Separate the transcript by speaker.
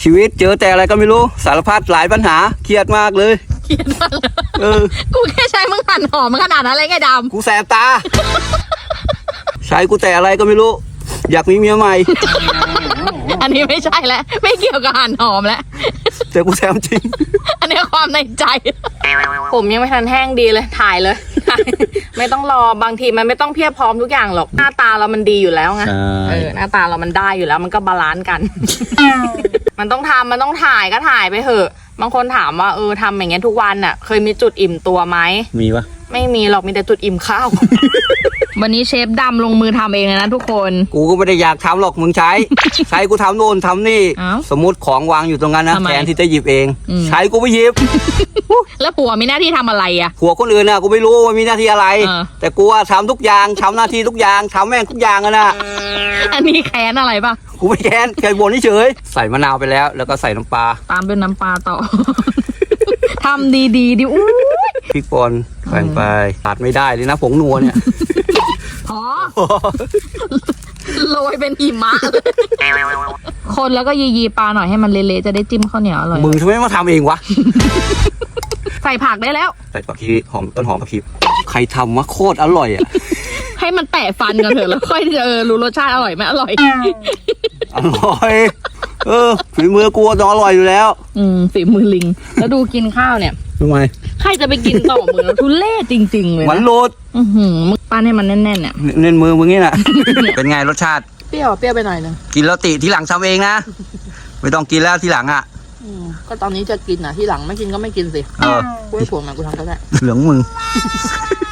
Speaker 1: ชีวิตเจอแต่อะไรก็ไม่รู้สารพัดหลายปัญหาเครียดมากเลย
Speaker 2: เกลียดมากเลย
Speaker 1: กู
Speaker 2: แค่ใช้มึงหั่นหอมมันขนาดนั้นเลยไงด
Speaker 1: กูแสบตา ใช้กูแต่อะไรก็ไม่รู้ อยากมีเมียใหม่
Speaker 2: ำอันนี้ไม่ใช่แล้วไม่เกี่ยวกับหั่นหอมแล้ว
Speaker 1: แต่กูแสบจริง
Speaker 2: อันนี้ความในใจ ผมยังไม่ทันแห้งดีเลยถ่ายเลย ไม่ต้องรอบางทีมันไม่ต้องเพียบพร้อมทุกอย่างหรอกหน้าตาเรามันดีอยู่แล้วไง หน้าตาเรามันได้อยู่แล้วมันก็บาลานซ์กัน มันต้องทำมันต้องถ่ายก็ถ่ายไปเถอะบางคนถามว่าทำอย่างเงี้ยทุกวันน่ะเคยมีจุดอิ่มตัวไหม
Speaker 1: มีปะ
Speaker 2: ไม่มีหรอกมีแต่จุดอิ่มข้าว วันนี้เชฟดำลงมือทำเองเลยนะทุกคน
Speaker 1: กูก็ไม่ได้อยากทำหรอกมึงใช้ ใช้กูทำโน่นทำนี่
Speaker 2: อ้าว
Speaker 1: สมมติของวางอยู่ตรงนั้นนะ
Speaker 2: ทำไม
Speaker 1: แทนที่จะหยิบเอง ใช้กูไม่หยิบ
Speaker 2: แล้วผัวมีหน้าที่ทำอะไรอ่ะ
Speaker 1: ผัวคนอื่นน่ะกูไม่รู้ว่ามีหน้าที่อะไร
Speaker 2: เออ
Speaker 1: แต่กูอะทำทุกอย่างทำหน้าที่ทุกอย่างทำแม่งทุกอย่างอะนะ
Speaker 2: อันนี้แค้นอะไรปะ
Speaker 1: กูไม่แค้นแค่บ่นเฉยๆใส่มะนาวไปแล้วแล้วก็ใส่น้ำปลา
Speaker 2: ตามด้วยน้ำปลาต่อ ทำดีๆดิอู้ย
Speaker 1: พริกป่นใส่ไปขาดไม่ได้เลยนะผงนัวเนี่ย
Speaker 2: พอ โรยเป็นหิมะเลยคนแล้วก็ยีปลาหน่อยให้มันเละๆจะได้จิ้มข้าวเหนียวอร่อย
Speaker 1: มึงทำไมมาทำเองวะ
Speaker 2: ใส่ผักได้แล้ว
Speaker 1: ใส่ผักชีหอมต้นหอมผักชีใครทำวะโคตรอร่อยอ่ะ
Speaker 2: ให้มันแตะฟันกันเถอะแล้วค่อยจะรู้รสชาติอร่อยไหมอร่อย
Speaker 1: อร่อย ฝีมือกูต้องอร่อยอยู่แล้ว
Speaker 2: ฝีมือลิง แล้วดูกินข้าวเนี่ย
Speaker 1: ทำไม
Speaker 2: ใครจะไปกินต่อมือแล้วทุเล่จริงๆเลย
Speaker 1: หวาน
Speaker 2: นะ
Speaker 1: โรด
Speaker 2: มึงปั้นให้มันแน่นๆเนี่ย
Speaker 1: เน้นมือมึงนี่น่ะ เป็นไงรสชาติ
Speaker 2: เปรี้ยวไปหน่อยนึง
Speaker 1: กินแล้วติทีหลังทำเองนะ ไม่ต้องกินแล้วทีหลังอ่ะ
Speaker 2: ก็ตอนนี้จะกินที่หลังไม่กินก็ไม่กินสิ
Speaker 1: เออ
Speaker 2: กูให้ผัวมากูทำก็ได้
Speaker 1: เหลืองมึง